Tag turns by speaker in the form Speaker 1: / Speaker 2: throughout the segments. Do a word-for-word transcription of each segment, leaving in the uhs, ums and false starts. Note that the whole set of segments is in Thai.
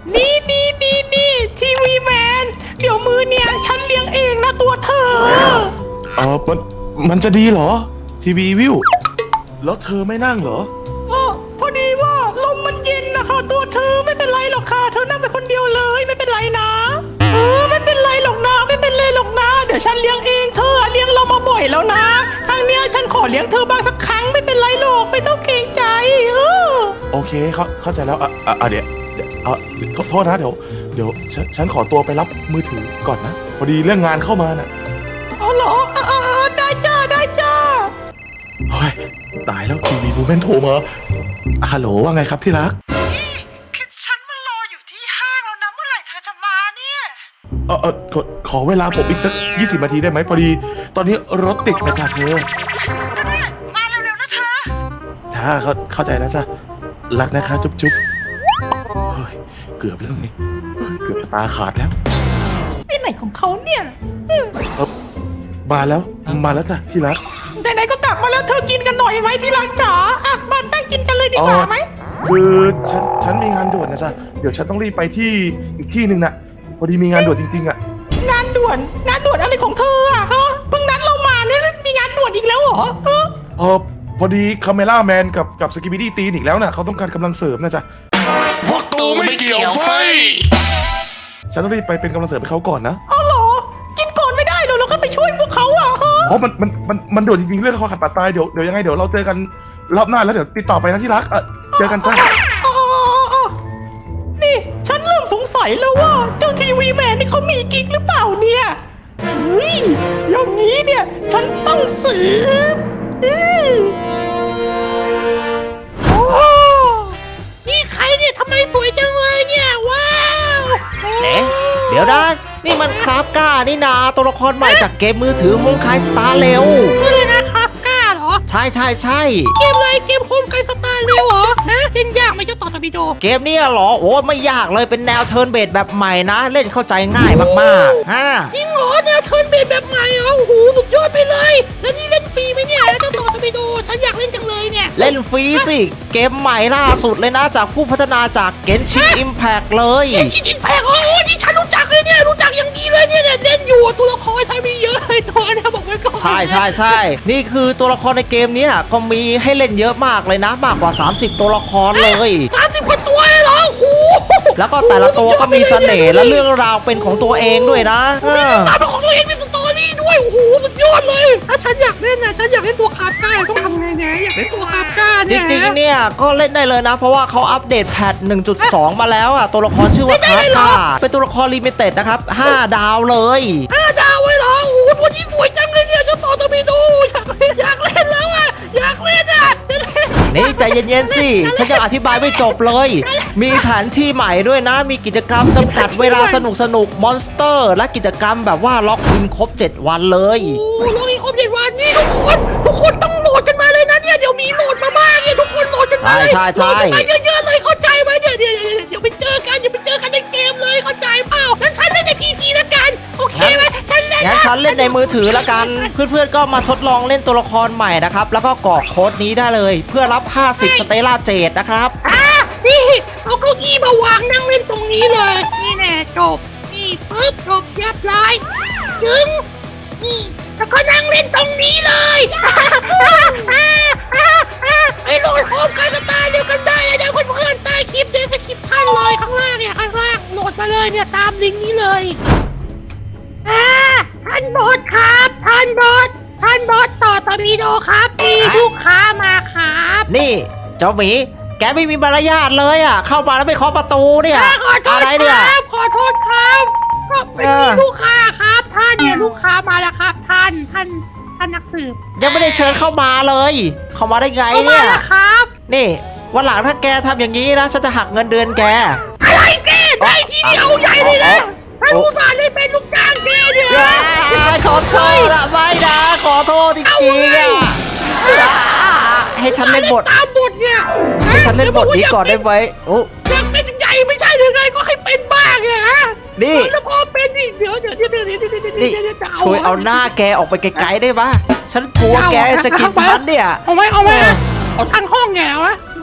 Speaker 1: นี่นี่นี่นี่ทีวีแมนเดี๋ยวมือเนี่ยฉันเลี้ยงเองนะตัวเธอ
Speaker 2: เออมันมันจะดีเหรอทีวีวิวแล้วเธอไม่นั่งเหรอ
Speaker 1: อ๋อพอดีว่าลมมันเย็นนะคะตัวเธอไม่เป็นไรหรอกค่ะเธอนั่งไปคนเดียวเลยไม่เป็นไรนะเออไม่เป็นไรหรอกนะไม่เป็นไรหรอกนะเดี๋ยวฉันเลี้ยงเองเธอเลี้ยงเรามาบ่อยแล้วนะครั้งเนี้ยฉันขอเลี้ยงเธอบ้างสักครั้งไม่เป็นไรหรอกไม่ต้องเกรงใจเออ
Speaker 2: โอเคเข้าเข้าใจแล้วอ่ะอ่ะเดี๋ยวเดี๋ยวอ่ะโทษนะเดี๋ยวเดี๋ยวฉันฉันขอตัวไปรับมือถือก่อนนะพอดีเรื่องงานเข้ามาน่ะ
Speaker 1: อ๋อเหรออ่าได้จ้าได้จ้า
Speaker 2: เฮ้ยตายแล้วทีวีบูเมนโทรมาฮัลโหลว่าไงครับที่รัก
Speaker 3: นี่คือฉันมารออยู่ที่ห้างแล้วนะเมื่อไหร่เธอจะมาเนี่ย
Speaker 2: เออเออขอขอเวลาผมอีกสักยี่สิบนาทีได้ไหมพอดีตอนนี้รถติดนะจ๊ะเธอ
Speaker 3: ก็ได้มาเร็วๆนะเธอ
Speaker 2: จ้าเขาเข้าใจแล้วจ้ะรักนะคะจุ๊บจุ๊บเฮ้ยเกือบแล้วนี่เกือบตาขาดแล้ว
Speaker 1: ไอ้ไหนของเขาเนี่ย
Speaker 2: เออมาแล้วมาแล้วจ้ะที่รัก
Speaker 1: ไหนๆก็กลับมาแล้วเธอกินกันหน่อยไหมที่รักจ๋าอ่ะมานั่งกินกันเลยดีกว่าไหม
Speaker 2: คือฉันฉันมีงานด่วนนะจ๊ะเดี๋ยวฉันต้องรีบไปที่อีกที่หนึ่งน่ะพอดีมีงานด่วนจริงๆอ่ะ
Speaker 1: งานด่วนงานด่วนอะไรของเธออ่ะฮะเพิ่งนัดเรามาเนี่ยมีงานด่วนอีกแล้วเหรอฮะ
Speaker 2: เออพอดีคาเมล่าแมนกับกับสกิบิดี้ตีนอีกแล้วน่ะเขาต้องการกำลังเสริมนะจ๊ะ
Speaker 3: พวกตูไม่เกี่ยวไฟ
Speaker 2: ฉันต้องรีบไปเป็นกำลังเสริมให้เขาก่อนนะ
Speaker 1: เอาเหรอกินก่อนไม่ได้เหรอเราก็ไปช่วยพวกเขาอ่ะฮะ
Speaker 2: เพราะมันมันมันมันด่วนจริงๆเรื่องคอขัดปาดตายเดี๋ยวเดี๋ยวยังไงเดี๋ยวเราเจอกันรอบหน้าแล้วเดี๋ยวติดต่อไปนะที่รักเออเจอกันจ้า
Speaker 1: นี่ฉันเริ่มสงสัยแล้วว่าเจ้าทีวีแมนนี่เขามีกิ๊กหรือเปล่าเนี่ยเฮ้ยอย่างนี้เนี่ยฉันต้องสืบโอ้นี่ใครเนี่ยทำไมสวยจังเลยเนี่ยว้าว
Speaker 4: เอ๊ะเดี๋ยวนะนี่มันคราฟก้านี่นาตัวละครใหม่จากเกมมือถือโฮมคายสตาร์เร็ว
Speaker 1: นี่เลยนะคราฟก้าเหรอ
Speaker 4: ใช่ใช่ใช่
Speaker 1: เกมอะไรเกมโฮมคายสตาร์เร็วเหรอฮะเล่นยากไหมเจ้าต่อทวิโด
Speaker 4: เกมนี้เหรอโอ้ไม่ยากเลยเป็นแนวเทิร์นเบสแบบใหม่นะเล่นเข้าใจง่ายมากๆฮะ
Speaker 1: จริงเหรอแนวเทิร์นเบสแบบใหม่เหรอโอ้โหสุดยอดไปเลยแล้วนี่เล่นฟรีไหมเนี่ยเจ้าต่อทวิโดฉันอยากเล่นจังเลยเนี่ย
Speaker 4: เล่นฟรีสิเกมใหม่ล่าสุดเลยนะจากผู้พัฒนาจากเกนชินอิมแพคเลย
Speaker 1: เกนชินอิมแพคโอ้โหนี่ฉันรู้จักเลยเนี่ยรู้จักอย่างดีเลยเนี่ยเล่นอยู่ตัวละครใช้มีเยอะเลยตัวนะบอกไว้ก่อน
Speaker 4: ใช่ใช่ใช่นี่คือตัวละครในเกมนี้ก็มีให้เล่นเยอะมากเลยนะมากกว่าสามสิบตัวละครเลย
Speaker 1: สามสิบกว่าตัวเลยเหรอโอ้โห
Speaker 4: แล้วก็แต่ละตัวก็มีเสน่ห์และเรื่องราวเป็นของตัวเองด้วยนะ
Speaker 1: มีเรื่องราวเป็นของตัวเองมีสตอรี่ด้วยโอ้โหสุดยอดเลยถ้าฉันอยากเล่นนะฉันอยากเล่นตัวคาร์ก้าต้องทำไงเนี่ยอยากเล่นตัวคาร์ก้าเนี่ย
Speaker 4: จริงๆเนี่ยก็เล่นได้เลยนะเพราะว่าเขาอัปเดตแพท หนึ่งจุดสอง มาแล้วอ่ะตัวละครชื่อว่าคาร์ก้าเป็นตัวละครลิมิเต็ดนะครับห้าดาวเลย
Speaker 1: ห้าดาวไว้เหรอโอ้โหตัวนี้สวยจังเลยเนี่ยเจ้าต่อตัวไปดูอยากเล่นแล้วอ่ะอยากเล่นอ่ะ
Speaker 4: นี่ใจเย็นๆสิฉันยังอธิบายไม่จบเลยมีแผนที่ใหม่ด้วยนะมีกิจกรรมจำกัดเวลาสนุกสนุกมอนสเตอร์และกิจกรรมแบบว่าล็อกอินครบเจ็ดวันเลย
Speaker 1: โอ้ล็อกอินครบเจ็ดวันนี่ทุกคนทุกคนต้องโหลดกันมาเลยนะเนี่ยเดี๋ยวมีโหลดมาบ้างเนี่ยทุกคนโหลดกันมาเลย
Speaker 4: ใช่ใช่ใช่
Speaker 1: เยอะๆเลยเข้าใจไหมเนี่ยเดี๋ยวเดี๋ยวไปเจอกันเดี๋ยวไปเจอกันในเกมเลยเข้าใจเปล่างั้นฉันเล่นในพีซีละกันโอเคไหมฉันเล่น
Speaker 4: งั้นฉันเล่นในมือถือละกันเพื่อนๆก็มาทดลองเล่นตัวละครใหม่นะครับแล้วก็กรอกโค้ดนี้ได้เลยเพื่อรับห้าสิบสเตล่าเจดนะครับ
Speaker 1: อ่ะนี่เอาเก้าอี้มาวางนั่งเล่นตรงนี้เลยนี่แน่จบนี่ปึ๊บจบเรียบร้อยจึงนี่แล้วก็นั่งเล่นตรงนี้เลยไอ้โหลดโฮมคายสตาร์เดียวกันได้เดี๋ยวเพื่อนๆใต้คลิปเดี๋ยวสคริปต์ท่านเลยข้างล่างเนี่ยข้างล่างโหลดมาเลยเนี่ยตามลิงก์นี้เลยอ่าท่านบอสครับท่านบอสท่านบอสต่อตอร์ปิโดครับมีลูกค้ามาครับ
Speaker 4: นี่เจ้าหมีแกไม่มีมารยาทเลยอ่ะเข้ามาแล้วไม่เคาะประตูเนี่ย
Speaker 1: อะไรเนี่ยขอโทษครับก็เป็นลูกค้าครับท่านเนี่ยลูกค้ามาแล้วครับท่านท่านท่านนักสืบ
Speaker 4: ยังไม่ได้เชิญเข้ามาเลยเข้ามาได้ไงเนี่ย
Speaker 1: ครับ
Speaker 4: นี่วันหลังถ้าแกทำอย่างนี้นะฉันจะหักเงินเดือนแก
Speaker 1: อะไรแกได้ทีเดียวใหญ่เลยนะท่านอุตส่าห์ได้เป็นลูกจ้างแกเนี่ย
Speaker 4: ขอโทษละไม่นะขอโทษจริงๆอ่ะให้ฉันเล่นบท
Speaker 1: ตามบทเนี่ย
Speaker 4: ให้ฉันเล่นบทนี้ก่อนได้ไหมโอ้
Speaker 1: ยังเป็นใหญ่ไม่ใช่หรือไงก็ให้เป็นบ้างเนี่ยฮะ
Speaker 4: นี่
Speaker 1: แล้วพอเป็นนี่เดี๋ยวเดี๋ยวเดี๋ยวเดี๋ยวเดี๋ยว
Speaker 4: เดี๋ยวช่วยเอาหน้าแกออกไปไกลๆได้ปะฉันกลัวแกจะกินพันเนี่ย
Speaker 1: เอาไว้เอาไว้เอาทั้งห้องแกวะบ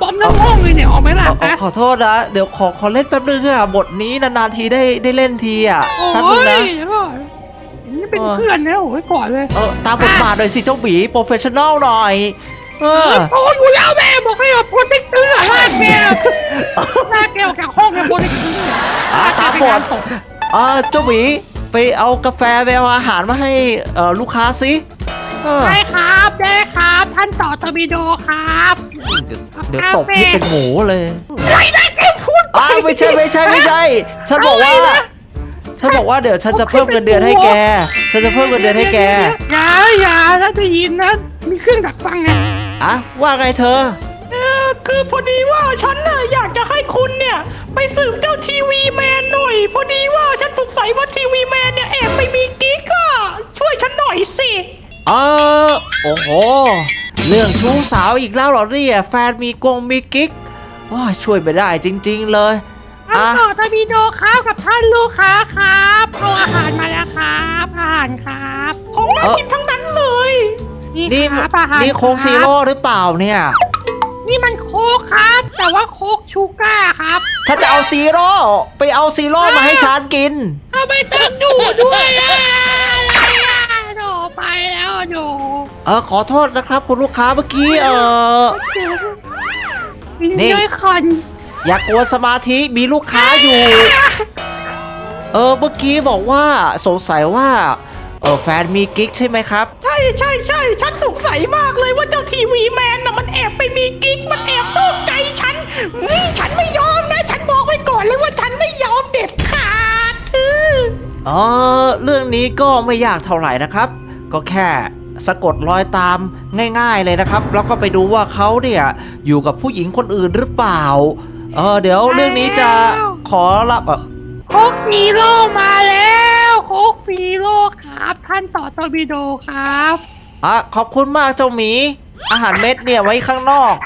Speaker 1: บอมทั้งห้องเลยเนี่ยออกไหมล่ะ
Speaker 4: เอาเอาขอโทษนะเดี๋ยวขอขอเล่นแป๊บนึงค่ะบทนี้นานๆทีได้ได้เล่นทีอ่ะ
Speaker 1: โอ้
Speaker 4: แป๊บนึง
Speaker 1: ย
Speaker 4: นะ
Speaker 1: เดี๋ยวก่อนนี่เป็นเพื่อนนะโอ้ยก่อนเลย
Speaker 4: เออตามบทบาทหน่อยสิเจ้าหมีโปรเฟชชั่นแนลหน่อยเออ
Speaker 1: โอ้ยอยู่แล้วแม่บอกให้แบบโปรเทคเตอร์ลากแกลากแกออกจากห้องเนี่ยโปรเทคเตอร์
Speaker 4: อ่ะตามบทเออเจ้าหมีไปเอากาแฟไปเอาอาหารมาให้เอ่อลูกค้าสิเออ
Speaker 1: ได้ครับได้ครับท่านต่อตอร์ปิโดครับ
Speaker 4: เดี๋ยวตบนี่เป็นหมูเลย
Speaker 1: ไรได้แกพูด
Speaker 4: อ้าวไม่ใช่ไม่ใช่ไม่ใช่ ฉันบอกว่า
Speaker 1: อะไรนะ
Speaker 4: ฉันบอกว่าเดี๋ยวฉันจะเพิ่มเงินเดือนให้แก ฉันจะเพิ่มเงินเดือนให้แก
Speaker 1: อย่าอย่าถ้าจะยินนะมีเครื่องดักฟังไง
Speaker 4: อ่ะว่าไงเธอ
Speaker 1: เออคือพอดีว่าฉันน่ะอยากจะให้คุณเนี่ยไปสืบเจ้าทีวีแมนหน่อย พอดีว่าฉันสงสัยว่าทีวีแมนเนี่ยแอบไปมีกิ๊กอะช่วยฉันหน่อยสิ
Speaker 4: เออโอ้โห เรื่องชู้สาวอีกแล้วเหรอเนี่ยแฟนมีกงมีกิ๊กว้าช่วยไม่ได้จริงๆเลยอ่ะ
Speaker 1: ต่อตอร์ปิโดครับกับท่านลูกค้าครับเอาอาหารมาแล้วครับอาหารครับของน่ากินทั้งนั้นเลยนี่
Speaker 4: นี่
Speaker 1: ครับอาหาร
Speaker 4: นี่โค้งซีโร่หรือเปล่าเนี่ย
Speaker 1: นี่มันโค้กครับ แต่ว่าโค้กชูก้าครับ
Speaker 4: ถ้าจะเอาซีโร่ไปเอาซีโร่มาให้ฉันกิน
Speaker 1: ทำไมต้องดูด้วยอ่ะอะไรอ่ะโดไปแล้วโด
Speaker 4: เออขอโทษนะครับคุณลูกค้าเมื่อกี้เออ
Speaker 1: วิน
Speaker 4: นี่
Speaker 1: ด้วยคัน
Speaker 4: อย่ากกวนสมาธิมีลูกค้าอยู่ เออเมื่อกี้บอกว่าสงสัยว่าเออแฟนมีกิ๊กใช่ไหมครับ
Speaker 1: ใช่ใช่ใช่ฉันสงสัยมากเลยว่าเจ้าทีวีแมนน่ะมันแอบไปมีกิ๊กมันแอบนอกใจฉันนี่ฉันไม่ยอมนะ ฉันบอกไว้ก่อนเลยว่าฉันไม่ยอมเด็ดขาดอือ
Speaker 4: เออเรื่องนี้ก็ไม่ยากเท่าไหร่นะครับ ก็แค่สะกดรอยตามง่ายๆเลยนะครับ แล้วก็ไปดูว่าเขาเนี่ยอยู่กับผู้หญิงคนอื่นหรือเปล่าเออเดี๋ยวเรื่องนี้จะขอรับเออ
Speaker 1: โคกฟีโร่มาแล้วโคกฟีโร่ครับท่านต่อตอร์ปิโดครับ
Speaker 4: อ่ะขอบคุณมากเจ้าหมี อาหารเม็ดเนี่ยไว้ข้างนอก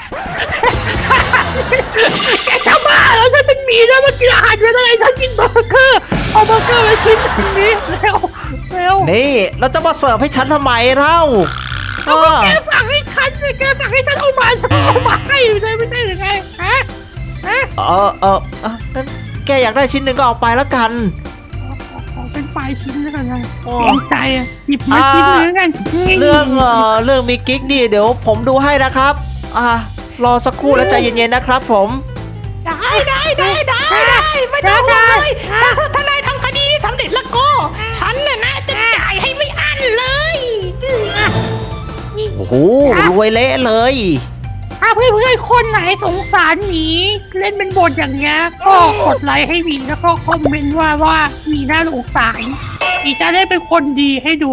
Speaker 1: แกจะบ้าแล้วฉันเป็นหมีแล้วมากินอาหารเป็นอะไรฉันกินเบอร์เกอร์เอาเบอร์เกอร์มาชิ้นหนึ่งนี้เร็วเร็ว
Speaker 4: นี่แล้วจะมาเสิร์ฟให้ฉันทำไมเล่าเออ
Speaker 1: แกสั่งให้ฉันเลยแกสั่งให้ฉันเอามาฉันเอามาให้อยู่เลยไม่ใช่หรือไงฮะฮะ
Speaker 4: เออเออเอองั้นแกอยากได้ชิ้นหนึ่งก็เอาไปแล้วกัน
Speaker 1: ขอเป็นไฟล์ชิ้นแล้วกันนะ
Speaker 4: โอ้
Speaker 1: เกรงใจอ่ะหยิบมาชิ้นหนึงกัน
Speaker 4: เรื่องเออเรื่องมีกิ๊กนี่เดี๋ยวผมดูให้นะครับ อ่ารอสักครู่แล้วใจเย็นๆนะครับผม
Speaker 1: ได้ได้ได้ได้ได้ไม่ต้องห่วงเลยถ้าถ้านายทำคดีนี้สำเร็จแล้วก็ ฉันน่ะนะจะจ่ายให้ไม่อั้นเลยอ่ะนี่
Speaker 4: โอ้โหรวยเละเลย
Speaker 1: ถ้าเพื่อนๆคนไหนสงสารหมีเล่นเป็นบทอย่างเงี้ยก็กดไลค์ให้หมีแล้วก็คอมเมนต์ว่าว่าหมีน่าสงสารหมีจะได้เป็นคนดีให้ดู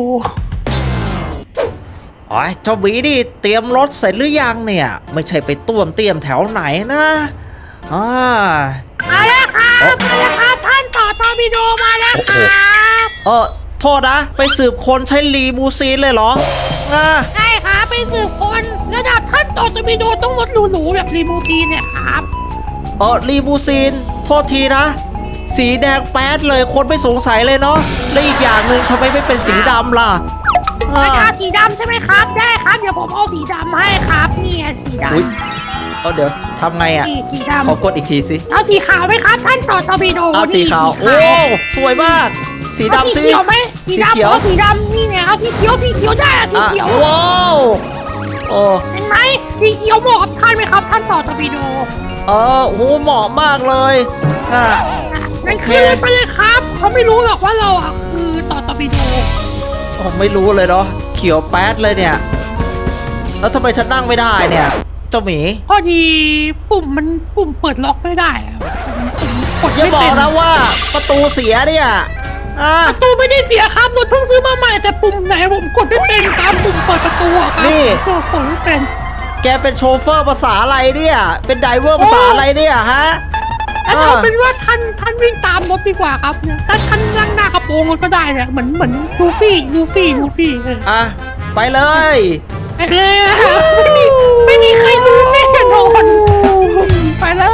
Speaker 4: อ๋อเจ้าหมีนี่เตรียมรถเสร็จหรือยังเนี่ย ไม่ใช่ไปต้วมเตรียมแถวไหนนะอ่า
Speaker 1: มาแล้วครับมาแล้วครับท่านต่อตอร์ปิโดมาแล้วครับ
Speaker 4: เออโทษนะ ไปสืบคนใช้รีบูซีนเลยเหรออ่า
Speaker 1: ใช่ครับไปสืบคนระดับท่านต่อตอร์ปิโดต้องรถหรูๆแบบรีโมซีนเนี่ยครับ
Speaker 4: เออรีบูซีนโทษทีนะ สีแดงแป๊ดเลยคนไม่สงสัยเลยเนาะและอีกอย่างหนึ่งทำไมไม่เป็นสีดำล่ะอ่า
Speaker 1: ไม่เอาสีดำใช่ไหมครับ ได้ครับเดี๋ยวผมเอาสีดำให้ครับเนี่ยสีด
Speaker 4: อุ๊ย เออเดี๋ยวทำไง
Speaker 1: ำ
Speaker 4: อ่ะ
Speaker 1: สีสีด
Speaker 4: ขอกดอีกทีสิ
Speaker 1: ำเอาสีขาวไหมครับท่านต่อตอร์ปิโด
Speaker 4: เอาสีขาว โอ้ สวยมาก สี
Speaker 1: เอา
Speaker 4: ดำ
Speaker 1: สี
Speaker 4: สิ
Speaker 1: เขียวไหมสี
Speaker 4: สี
Speaker 1: ดำ
Speaker 4: เขียว
Speaker 1: เอาสีดำนี่ไงเอาสีเขียวสีเขียวได้อะสี
Speaker 4: อ่ะ
Speaker 1: เขียว
Speaker 4: ว้าวโอ้
Speaker 1: เห็นไหมสีเขียวเหมาะกับท่านไหมครับ ท่านต่อตอร์ปิโด
Speaker 4: เออโหเหมาะมากเลยอ่ะ
Speaker 1: นั่นคือไปเลยครับเขาไม่รู้หรอกว่าเราอ่ะคือต่อตอร์ปิโด
Speaker 4: ผมไม่รู้เลยเนาะเขียวแป๊ดเลยเนี่ย แล้วทำไมฉันนั่งไม่ได้เนี่ย เจ้าหมี
Speaker 1: พอดีปุ่มมันปุ่มเปิดล็อกไม่ได้อะปุ่มกด
Speaker 4: อย่า
Speaker 1: ไม่
Speaker 4: บอ
Speaker 1: เป็
Speaker 4: ก
Speaker 1: น
Speaker 4: นะว่าประตูเสียเนี่ยอ่ะ
Speaker 1: ประตูไม่ได้เสียครับรถเพิ่งซื้อมาใหม่แต่ปุ่มไหนผมกดไม่เป็นครับปุ่มเปิดประตูอะครับ
Speaker 4: นี่
Speaker 1: ผมกดไม่เป็น
Speaker 4: แกเป็นโชเฟอร์ภาษาอะไรเนี่ย เป็นไดเวอร์ภาษาอะไรเนี่ยฮะ
Speaker 1: แล้วเอาเป็นว่าท่านท่านวิ่งตามรถดีกว่าครับเนี่ยถ้าท่านนั่งหน้ากระโปรงรถก็ได้เนี่ยเหมือนเหมือนลูฟี่ลูฟี่ลูฟี่เออ
Speaker 4: อ่ะ ไปเลย
Speaker 1: ไปเลยอะไม่มีไม่มีใครรู้แน่นอนไปแล้ว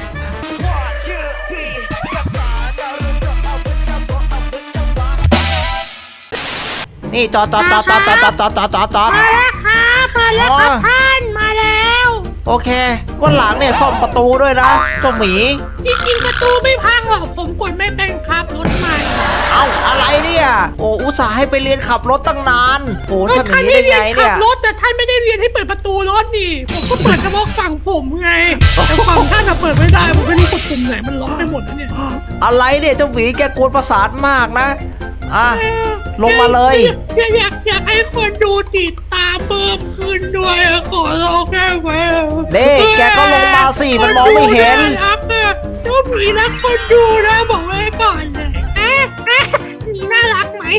Speaker 4: นี่จอดจอดจอดจอดจอดจอดจอดจอดจอด
Speaker 1: มาแล้วครับมาแล้วครับท่านมาแล้ว
Speaker 4: โอเควันหลังเนี่ยซ่อมประตูด้วยนะเจ้าหมี
Speaker 1: จริงๆประตูไม่พังหรอกผมกดไม่เป็นครับรถใหม่
Speaker 4: เอ้าอะไรเนี่ยโอ้อุตส่าห์ให้ไปเรียนขับรถตั้งนานโอ้ทำอย่า
Speaker 1: ท่าง น
Speaker 4: นี้
Speaker 1: ได้
Speaker 4: ได้
Speaker 1: เรีย
Speaker 4: ไง
Speaker 1: นขั
Speaker 4: เนี่
Speaker 1: บ
Speaker 4: ย
Speaker 1: รถแต่ท่านไม่ได้เรียนให้เปิดประตูรถนี่ผมก็เปิดเฉพาะฝั่งผมไงแต่ฝั่งท่านอะเปิดไม่ได้ผมไม่รู้กดปุ่มไหนมันล็อกไปหมดแล้วเนี่ย
Speaker 4: อะไรเนี่ยเจ้าหมีแกกวนประสาทมากนะอ่ะลงมาเลย
Speaker 1: อยากอยากอยากให้คนดูติดตามเพิ่มขึ้นด้วยอะขอร้องได้ไหม
Speaker 4: นี่แกก็ลงมาสิมันมองไม่เห็น
Speaker 1: คดูารักอะเจ้าหมีรักคนดูนะบอกไว้ก่อนเลยอ่ะอ่ะหมีน่ารักไหม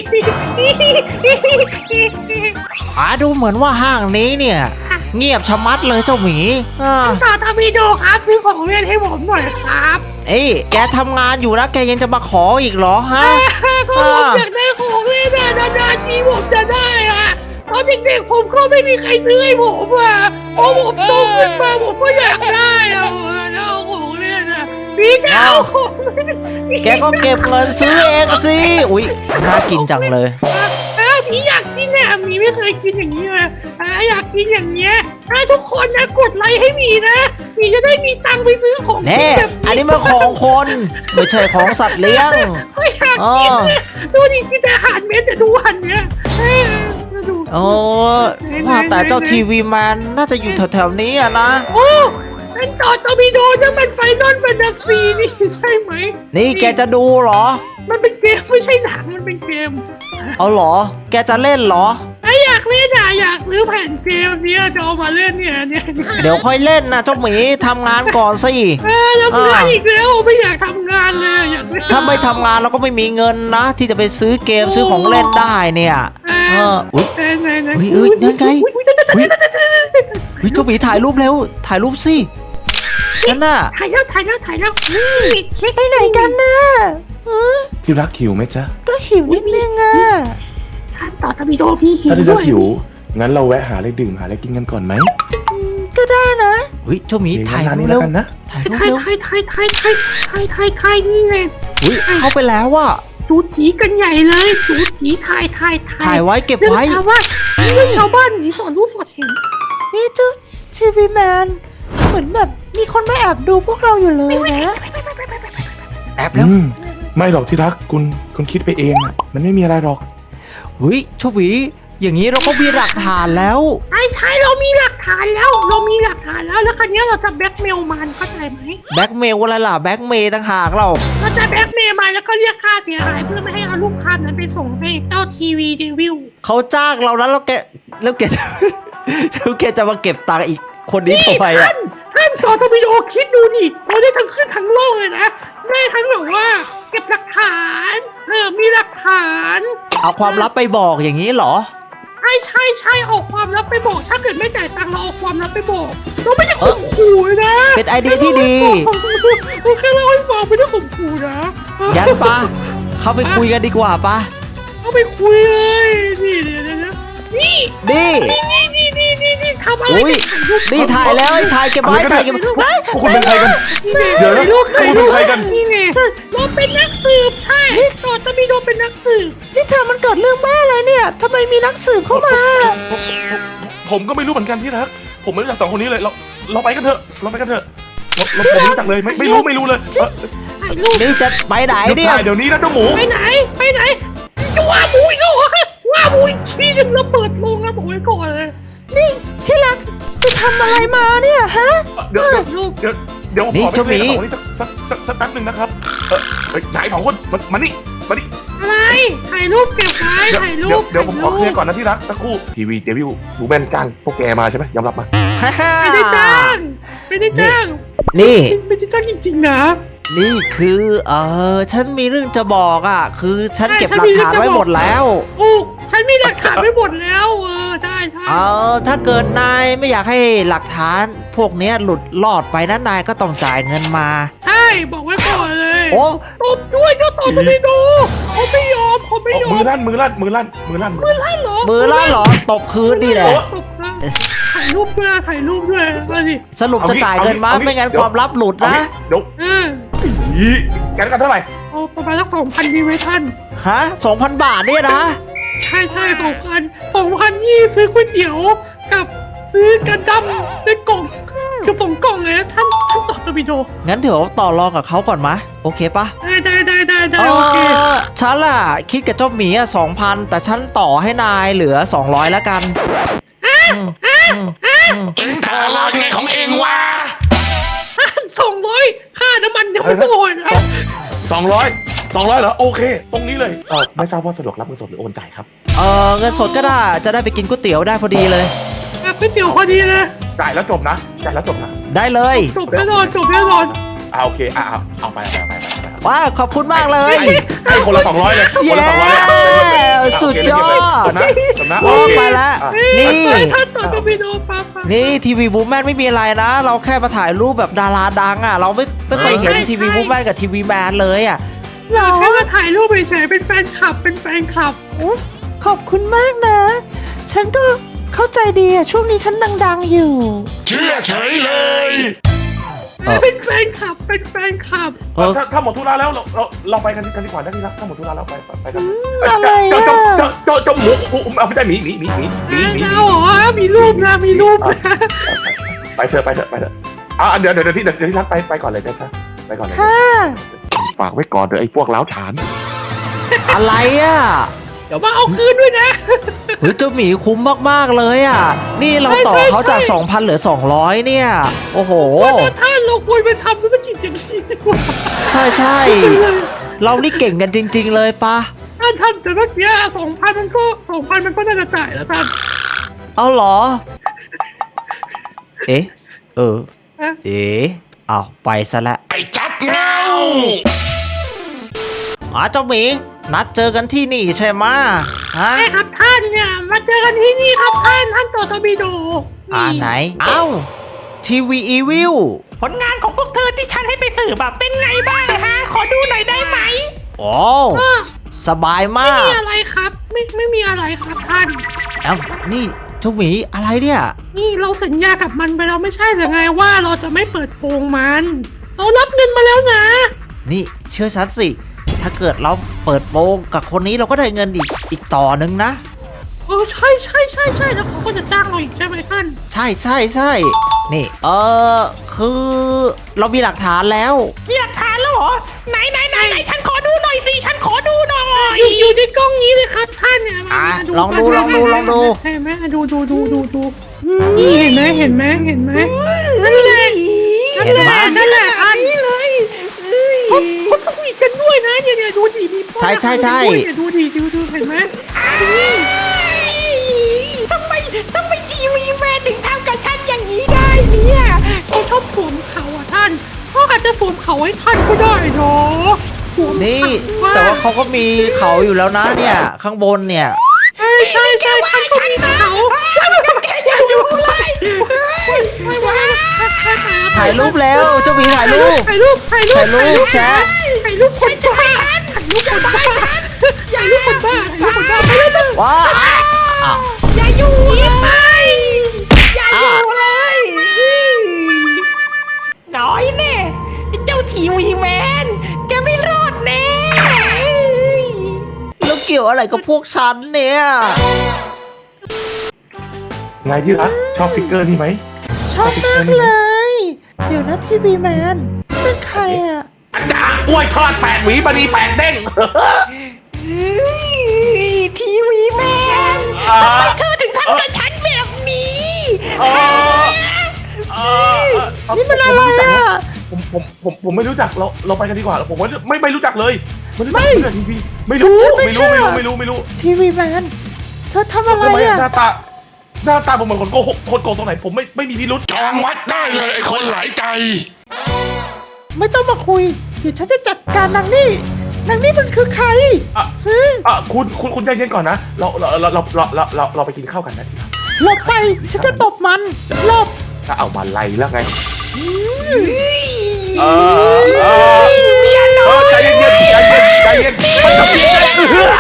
Speaker 4: อ่าดูเหมือนว่าห้างนี้เนี่ย เงียบชะมัดเลยเจ้าหมีอ่า
Speaker 1: ต่อทวีโดครับซื้อของเล่นให้ผมหน่อยครับ
Speaker 4: เอ้ยแกทำงานอยู่นะแกยังจะมาขออีกเหรอฮะ
Speaker 1: ก็ผมอยากได้ของเล่นอะนานๆทีผมจะได้อะตอนเด็กๆผมก็ไม่มีใครซื้อให้ผมอะพอผมโตขึ้นมาผมก็อยากได้อะเอาของเล่นอะพี่จะเอาของเล่น
Speaker 4: แกก็เก็บเงินซื้อเองสิอุ๊ยน่ากินจังเลย
Speaker 1: อ้าวพี่อยากกินเนี่ยมีไม่เคยกินอย่างนี้เลยอ่าอยากกินอย่างเงี้ยถ้าทุกคนนะกดไลค์ให้มีนะมีจะได้มีตังค์ไปซื้อของ
Speaker 4: แน่
Speaker 1: แบบ
Speaker 4: อันนี้มันของคนไม่ใช่ของสัตว์เลี้ยง
Speaker 1: ไม่อยากกินเนี่ยดูดิกินแต่อาหารเม็ดแต่ทุกวันเนี่ยเออดู
Speaker 4: โอ้ว่าแต่เจ้าทีวีแมนน่าจะอยู่แถวๆนี้อะนะ
Speaker 1: โอ้นั่นต่อตอร์ปิโดนั่นมันไฟนอลแฟนตาซีนี่ใช่ไหม
Speaker 4: นี่แกจะดูเหรอ
Speaker 1: มันเป็นเกมไม่ใช่หนังมันเป็นเกม
Speaker 4: เอาเหรอ แกจะเล่นเหรอ
Speaker 1: ถ้าอยากเล่นอ่ะอยากซื้อแผ่นเกมเนี้ยจะเอามาเล่นเนี่ยเนี่ย
Speaker 4: เดี๋ยวค่อยเล่นนะเจ้าหมีทำงานก่อนสิ
Speaker 1: เออทำงานอีกแล้วไม่อยากทำงานเลยอยากเล่น
Speaker 4: ถ้าไม่ทำงานเราก็ไม่มีเงินนะ ที่จะไปซื้อเกมซื้อของเล่นได้เนี่ย เอออุ๊ย
Speaker 1: ไหนไหน
Speaker 4: อุ๊ยอุ๊ยนั่นไง อุ๊ยเฮ้ยเจ้าหมีถ่ายรูปเร็ว ถ่ายรูปสินั่นน่ะ
Speaker 1: ถ่ายแล้วถ่ายแล้วถ่ายแล้วนี่เช็คไปไหนกันนะ
Speaker 2: ที่รักหิวไหมจ๊ะ
Speaker 1: ก็หิวนิดนึงอ่ะท่านต่อทวีโดพี่หิว
Speaker 2: ถ้าที่รั
Speaker 1: ด้
Speaker 2: ก
Speaker 1: วย
Speaker 2: หิว งั้นเราแวะหาอะไรดื่มหาอะไรกินกันก่อนไหม
Speaker 1: ก็ได้นะ
Speaker 4: เฮ้ยเจ้าหมี
Speaker 2: โอเค
Speaker 4: ถ่าย
Speaker 2: งั้น
Speaker 4: รู
Speaker 2: ร้าน
Speaker 4: ป
Speaker 2: นี้
Speaker 4: เร็ว
Speaker 2: แล้วกันนะ
Speaker 4: ถ่ายรูป
Speaker 1: ถ่าย
Speaker 4: เร็ว
Speaker 1: ถ่ายถ่ายถ่ายถ่ายถ่ายถ่ายถ่ายนี่ไง
Speaker 4: อุ๊ยเข้าไปแล้วว่ะ
Speaker 1: จูจีกันใหญ่เลยจูจีถ่ายถ่ายถ่าย
Speaker 4: ถ่ายไว้เก็บไว้
Speaker 1: เรื่องชาวบ้านเรื่องชาวบ้านหนีสอนรู้สอดเห็น
Speaker 5: นี่เจ้าทีวีแมนเหมือนแบบมีคนมาแอบดูพวกเราอยู่เลยนะ
Speaker 4: แอบแล้ว
Speaker 2: อืม ไม่หรอกที่รักคุณคุณคิดไปเองอะมันไม่มีอะไรหรอก
Speaker 4: เฮ้ยเจ้าหมีอย่างนี้เราก็มีหลักฐานแล้ว
Speaker 1: ใช่ใช่เรามีหลักฐานแล้ว เรามีหลักฐานแล้วแล้วคราวนี้เราจะแบล็กเมลมันเข้าใจไหม
Speaker 4: แบ็กเมลอะไรล่ะแบ็กเมย์ต่างหากเรา
Speaker 1: เราจะแบล็กเมลมันแล้วก็เรียกค่าเสียหายเพื่อไม่ให้เอารูปภาพนั้นไปส่งให้เจ้าทีวีเดวิล
Speaker 4: เขาจ้างเราแล้วแล้วแกแล้วแกจะ แล้วแกจะมาเก็บตังค์อีกคนนี้ทำไมอ่ะ
Speaker 1: ท่านต่อทวีโอคิดดูดิเราได้ทั้งขึ้นทั้งลงเลยนะได้ทั้งแบบว่า เก็บหลักฐานเออมีหลักฐาน
Speaker 4: เอาความลับไปบอกอย่างนี้เหรอ
Speaker 1: ใช่ใช่ใช่เอาความลับไปบอกถ้าเกิดไม่จ่ายตังค์เราเอาความลับไปบอกเราไม่ได้ข่มขู่นะ
Speaker 4: เป็นไอเดียที่ดี
Speaker 1: โอเคเราให้ฟังไม่ได้ข่มขู่นะ
Speaker 4: ยันปะเข้าไปคุยกันดีกว่าปะ
Speaker 1: เอาไปคุยเลยนี่เดี๋ยวเดี๋ยวนี่
Speaker 4: นี่
Speaker 1: นี่นี่นี่นี่นี่ทำอะไร
Speaker 4: อุ้ยนี่ถ่ายแล้วไอ้ถ่ายเก็บไว้ถ่ายเก็บไว้
Speaker 2: พวกคุณเป็นใครกัน เดี๋ยวนะ
Speaker 1: ลูก
Speaker 2: พวกคุณเป็นใครกัน
Speaker 1: นี่ไงเราเป็นนักสืบใช่ต่อตะมีโดเป็นนักสืบ
Speaker 5: นี่เธอมันเกิดเรื่องบ้าอะไรเนี่ยทำไมมีนักสืบเข้ามา
Speaker 2: ผมผมก็ไม่รู้เหมือนกันที่รัก ผมไม่รู้จักสองคนนี้เลย เราเราไปกันเถอะ เราไปกันเถอะ เราเราผมไม่รู้จักเลย ไม่ไม่รู้ไม่รู้เลยเอ่อ
Speaker 1: ถ่ายรูป
Speaker 4: นี่จะไปไหน
Speaker 2: หยุด
Speaker 4: เนี่ย
Speaker 2: ถ่ายเดี๋ยวนี้นะเจ้าหมู
Speaker 1: ไปไหนไปไหนจะว่าบุยก็เหรอว่าบุยทีนึงแล้วเปิดลงนะบอกไว้ก่อนเลย
Speaker 5: นี่ที่รักไปทำอะไรมาเนี่ยฮะ
Speaker 2: เดี๋ยวเดี๋ยว
Speaker 1: ลูก
Speaker 2: เดี๋ยวเดี๋ยวผม
Speaker 4: นี่
Speaker 2: ขอไป
Speaker 4: เจ้าห
Speaker 2: เค
Speaker 4: มี
Speaker 2: ลียร์กับสองคนนี้สักสักสักสักแป๊บหนึ่งนะครับ เออเฮ้ยนายสองคนมามานี่มานี่
Speaker 1: อะไรถ่ายรูปเก็บไว้
Speaker 2: เดี๋ยว
Speaker 1: ถ่ายรู
Speaker 2: เดี๋ยว
Speaker 1: ป
Speaker 2: เดี๋ยวผมขอเคลียร์ก่อนนะที่รักสักครู่ทีวีเจวิวดูแมนจ้างพวกแกมาใช่ไหมยอมรับมา
Speaker 4: ฮ่าฮ่า
Speaker 1: ไม่ได้จ้างไม่ได้จ้าง
Speaker 4: นี่
Speaker 1: ไม่ได้จ้างจริงๆนะ
Speaker 4: นี่คือเออฉันมีเรื่องจะบอกอ่ะ คือฉัน
Speaker 1: ใช่
Speaker 4: เก็บ
Speaker 1: ฉัน
Speaker 4: หลั
Speaker 1: มี
Speaker 4: ก
Speaker 1: เรื่อ
Speaker 4: ฐาง น
Speaker 1: จะ
Speaker 4: ไว้
Speaker 1: บอก
Speaker 4: หมดแล้ว
Speaker 1: โอ้ฉันมีหลักฐานไว้หมดแล้วเออใช่ใช่
Speaker 4: เออถ้าเกิดนายไม่อยากให้หลักฐานพวกเนี้ยหลุดลอดไปนะนายก็ต้องจ่ายเงินมา
Speaker 1: ใช่บอกไว้ก่อนเลย
Speaker 4: โอ้
Speaker 1: ตบด้วยเจ้าต่อจะไม่ดูเขาไม่ยอมเขาไม่ยอ
Speaker 2: มื
Speaker 1: ม
Speaker 2: อลั่นมือลั่นมือลั่นมือลั่นมือลั่น
Speaker 1: ให้เหรอ
Speaker 4: มือล่าเหรอตบคืนนี่แหละ
Speaker 1: ตบนะถ่ายรูปด้วยถ่ายรูปด้วยมาดิ
Speaker 4: สรุปจะจ่ายเงินมาไม่งั้นความลับหลุด
Speaker 2: เอา
Speaker 4: นะ
Speaker 2: งี้เดี๋ยว
Speaker 1: เออ
Speaker 2: อีแกกันเท่าไหร่
Speaker 1: เอาประมาณสักสองพันดีไหมท่าน
Speaker 4: ฮะสองพันบาทเนี่ยนะ
Speaker 1: ใช่ใช่สองพันสองพันยี่ซื้อก๋วยเตี๋ยวกับซื้อกระดำในกล่องจะส่งกล่องเลยนะท่านท่านต่อตบิโด
Speaker 4: งั้นเดี๋ยวต่อรองกับเขาก่อนมะโอเคปะ
Speaker 1: ได้ได้ได้ได้ได้
Speaker 4: เอ
Speaker 1: โอเค
Speaker 4: อฉันล่ะคิดกับเจ้าหมีอ่ะสองพันแต่ฉันต่อให้นายเหลือสองร้อยแล้วกัน
Speaker 6: เองต่อรองไงของเองวะ
Speaker 1: สองร้อยค่าน้ำมันยังไม่พอนะ
Speaker 2: สองร้อยสองร้อยเหรอโอเค ตรงนี้เลยเออไม่ทราบว่าสะดวกรับเงินสดหรือโอนจ่ายครับ
Speaker 4: เออเงินสดก็ได้จะได้ไปกินก๋วยเตี๋ยวได้พอดีเลย
Speaker 1: อ่ะก๋วยเตี๋ยวพอดีเลย
Speaker 2: จ่ายแล้วจบนะจ่ายแล้วจบนะ
Speaker 4: ได้เลย
Speaker 1: จบแน่นอนจบแน่นอน
Speaker 2: อ่าโอเคอ่าเอาเอาไปเอาไปเอาไปเอาไป
Speaker 4: ว้าขอบคุณมากเลย
Speaker 2: ให้ให้คนละสองร้อยเลยคนละสองร้อยเลย
Speaker 4: เย้สุดยอด
Speaker 2: จบนะจบนะ
Speaker 4: โอ้
Speaker 2: โอเค
Speaker 4: ไปแล้ว
Speaker 2: อ่ะ
Speaker 4: นี่
Speaker 1: ท่านต่อตบิโดป้าป้า
Speaker 4: นี่ทีวีบูมแมนไม่มีอะไรนะ เราแค่มาถ่ายรูปแบบดาราดังอ่ะ เราไม่ไม่เคยเห็นทีวีบูมแมนกับทีวีแมนเลยอ่ะ
Speaker 1: เราแค่มาถ่ายรูปเฉยๆเป็นแฟนคลับเป็นแฟนคลับ
Speaker 5: ขอบคุณมากนะ ฉันก็เข้าใจดีอะช่วงนี้ฉันดังๆอยู่
Speaker 6: เชื่อเฉยเลย
Speaker 4: เออ
Speaker 1: เป็นแฟนคลับเป็นแฟนคลับ
Speaker 4: เออ
Speaker 2: ถ้าถ้าหมดธุระแล้วเราเราเราไปกันกันดีกว่าได้ที่รักถ้าหมดธุระแล้วไปไปไปกัน
Speaker 5: อะไรอะ
Speaker 2: เจ้าเจ้าเจ้าเจ้าหมูหมูเอาไม่ใช่หมีหมีหมีหมีหมีหมี
Speaker 1: เราเหรอมีรูปนะมีรูปนะ
Speaker 2: ไปเถอะไปเถอะไปเถอะอ่ะเดี๋ยวเดี๋ยวที่เดี๋ยวที่รักไปไปก่อนเลยนะไปก่อนเลย
Speaker 5: ค่ะ
Speaker 2: ฝากไว้ก่อนเดี๋ยวไอ้พวกล้าวฉาน
Speaker 4: อะไรอ่ะ
Speaker 1: เดี๋ยวมาเอาคืนด้วยนะ
Speaker 4: เฮ้ยเจ้าหมีคุ้มมากๆเลยอ่ะ นี่เราต่อเขาจาก สองพัน เหลือ สองร้อย เนี่ย โอ้โห
Speaker 1: ว่าท่านเราควรไปทำธุรกิจอย่างนี้ดีกว่า
Speaker 4: ใช่ใช่เรานี่เก่งกันจริง ๆ เลยปะ
Speaker 1: ท่านท่านแต่เมื่อกี้สองพันมันก็สองพันมันก็น่าจะจ่ายแล้วท่าน
Speaker 4: เอาเหรอ เอ๊ะ เออ
Speaker 1: ฮะ
Speaker 4: เอ๊ะเอาไปซะละ
Speaker 6: ไอ้จับเงา
Speaker 4: อ๋อเจ้าหมี นัดเจอกันที่นี่ใช่ไหมะฮะ
Speaker 1: ใช่ครับท่านเนี่ยมาเจอกันที่นี่ครับท่านท่านต่อตบิโด
Speaker 4: อ่าไหน เอ้า ทีวีอีวิล
Speaker 1: ผลงานของพวกเธอที่ฉันให้ไปสืบแบบเป็นไงบ้างฮะขอดูหน่อยได้ไหม
Speaker 4: โอ้สบายมา
Speaker 1: ไม่
Speaker 4: ก
Speaker 1: มีอะไรครับ ไม่ไม่มีอะไรครับท่าน
Speaker 4: เอ้านี่เจ้าหมีอะไรเนี่ย
Speaker 1: นี่เราสัญญากับมันไปแล้วไม่ใช่หรือไงว่าเราจะไม่เปิดโปงมัน เรารับเงินมาแล้วนะ
Speaker 4: นี่เชื่อฉันสิ ถ้าเกิดเราเปิดโปงกับคนนี้เราก็ได้เงินอีกอีกต่อหนึ่งนะ
Speaker 1: เออใช่ใช่ใช่ใช่แล้วเขาก็จะจ้างเราอีกใช่ไหมท่าน
Speaker 4: ใช่ใช่ใช่นี่ เออคือเรามีหลักฐานแล้ว
Speaker 1: มีหลักฐานแล้วเหรอไหนไหนไหนไหนฉันขอดูหน่อยสิฉันขอดูหน่อยอยู่อยู่ในกล้องนี้เลยครับท่านเนี่ย
Speaker 4: อ่ะ
Speaker 1: มา
Speaker 4: ลองดูลองดูลองดู
Speaker 1: เห็นไหมดูดูดูดูดูนี่เห็นไหมเห็นไหมเห็นไหมนั่นแหละ
Speaker 4: เห็นไหม
Speaker 1: นั่นแหละอันนี้เลยเขาเขาสวีทกันด้วยนะเนี่ยเนี่ยดูดิมีพ่อ
Speaker 4: ใช่ใช่ใช่
Speaker 1: ด้วยเนี่ยดูดิดูดูเห็นไหมทำไมทำไมทีวีแมนถึงทำกับฉันอย่างนี้ได้เนี่ยเขาชอบสวมเขาอ่ะท่านเขาอาจจะสวมเขาให้ท่านก็ได้เนาะสวม
Speaker 4: นี่
Speaker 1: เขา
Speaker 4: แต่ว่าเขาก็มีเขาอยู่แล้วนะเนี่ย ข้างบนเนี่ย
Speaker 1: ใช่ใช่ใช่ท่านก็มีเขาอย่าอยู่เลยไม่ว่า
Speaker 4: ถ่ายรูปแล้วเจ้าหมีถ่ายรูป
Speaker 1: ถ่ายรูปถ่ายรูป
Speaker 4: ถ่ายรูปแชะ
Speaker 1: ถ่ายรูปคนบ้าถ่ายรูปคนบ้าถ่ายรูปคนบ้าถ่ายรูปคนบ้าไปเลย
Speaker 4: ว้าอ้าว
Speaker 1: อย่าอยู่เลยอย่าอยู่เลยน้อยแน่เจ้าทีวีแมนแกไม่รอดแน่
Speaker 4: แล้วเกี่ยวอะไรกับพวกฉันเนี่ย
Speaker 2: ไงที่รักชอบฟิกเกอร์นี่ไหม
Speaker 5: ชอบมากเลย เดี๋ยวนะทีวีแมนเป็นใครอะ
Speaker 2: จ้าอ้วยทอดแปดหวีบดีแปดเด้ง
Speaker 1: ทีวีแมน
Speaker 2: อ่า
Speaker 1: ทำไมเธอถึงทำกับฉันแบบนี้
Speaker 2: เออเออ
Speaker 5: นี่มันอะไรอะ
Speaker 2: ผมผมผมผมไม่รู้จักเราเราไปกันดีกว่าผมว่าไม่ไม่รู้จักเลยไม่รู้จักไม่รู้จักทีวีไม่รู้ไม่รู้ไม่รู้ไม่รู้ไม่รู้
Speaker 5: ทีวีแมนเธอทำอะไร
Speaker 2: ทำไม
Speaker 5: อะ
Speaker 2: หน้าตาหน้าตาผมเหมือนคนโกหกคนโกงตรงไหนผมไม่ไม่มีพิรุษ
Speaker 6: จองวัดได้เลยไอ้คนหลายใจ
Speaker 5: ไม่ต้องมาคุย เดี๋ยวฉันจะจัดการนางนี่นางนี่มันคือใคร
Speaker 2: อ่ะ
Speaker 5: ฮะ
Speaker 2: อ่ะคุณคุณคุณใจเย็นก่อนนะเราเราเราเราเราเราเราเราไปกินข้าวกันนะ
Speaker 5: หลบไป ฉันจะตบมันหลบ
Speaker 2: ถ้าเอามาไล่แล้วไงเออเออเออใจเย็นใจเย็นใจเย็นไม่ต้องกินเลย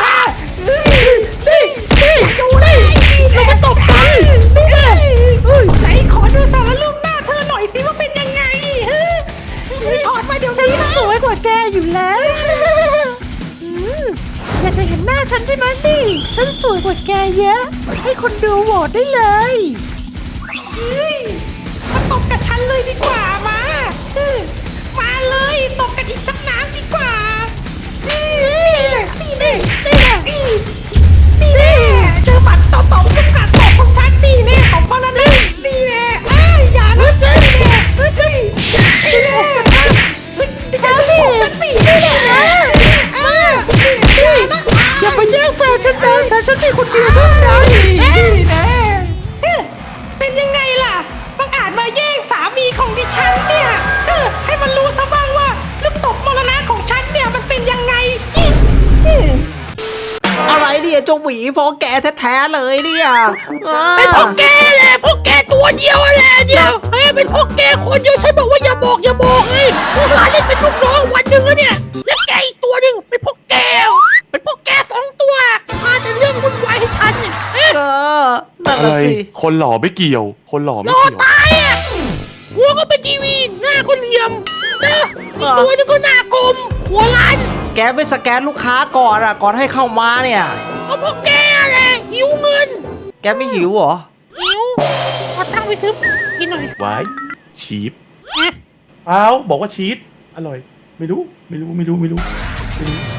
Speaker 5: นี่นี่ดูนี่เรามาตบกันนี่ไงเอ้ย
Speaker 1: ไหนขอดูสารรูปหน้าเธอหน่อยสิว่าเป็นยังไงฮะถอดมาเดี๋ยว
Speaker 5: ฉัน
Speaker 1: นี้นะ
Speaker 5: สวยกว่าแกอยู่แล้วอืมอยากจะเห็นหน้าฉันใช่ไหมนี่ฉันสวยกว่าแกเยอะ ให้คนดูโหวตได้เลย
Speaker 1: มาตบบกับฉันเลยดีกว่ามาเออมาเลยตบกันอีกสักน้ำดีกว่านี่แหละนี่แน่นี่แน่นี่นี่แน่เจอหมัดต่อต่อทุกการตบของฉันนี่แน่ตบมาแล้วนี่นี่แน่เอ้ยอย่านะเจ๊นี่แน่เฮ้ยนี่แน่เฮ้ยอย่าทำของฉันสินี่แน่เอออย่าไปแย่งแฟนฉันนะแฟนฉันมีคนเดียวเท่านั้นนี่แน่เป็นยังไงล่ะบังอาจมาแย่งสามีของดิฉันเนี่ยเออให้มันรู้ซะบ้างว่าลูกตบมรณะของฉันเนี่ยมันเป็นยังไงสิ
Speaker 4: อะไรเนี่ยเจ้าหวีพอแกแท้ๆเลยเนี่ยเออ
Speaker 1: เป็นพวกแกแหละพวกแกตัวเดียวแหละเดียวเฮ้ยเป็นพวกแกคนเดียวฉันบอกว่าอย่าบอกอย่าบอกเฮ้ยพวกหลานเล่นเป็นลูกน้องวันหนึ่งแล้วเนี่ยแล้วแกอีกตัวหนึ่งเป็นพวกแกเป็นพวกแกสองตัวมาแต่เรื่องวุ่นวายให้ฉันเนี่ยเอ๊ะ
Speaker 4: เออนั่น
Speaker 2: อะไร
Speaker 4: น่ะสิ
Speaker 2: คนหล่อไม่เกี่ยว คนหล่อไม่
Speaker 1: รอ
Speaker 2: เกี่ยว
Speaker 1: ตายอ่ะหัวก็เป็นทีวีหน้าก็เหลี่ยมเนอะอีกตัวหนึงก็หน้ากลมหัวล้าน
Speaker 4: แกไม่สแกนลูกค้าก่อนอ่ะก่อนให้เข้ามาเนี่ย
Speaker 1: ก็พวกแกแหละหิวเงิน
Speaker 4: แกไม่หิวเหรอ
Speaker 1: หิวขอตังค์ไปซื้อกินหน่อย
Speaker 2: ไว้ชีส
Speaker 1: นะ
Speaker 2: เปล่าบอกว่าชีสอร่อย ไม่รู้ ไม่รู้ ไม่รู้ ไม่รู้ไม่รู้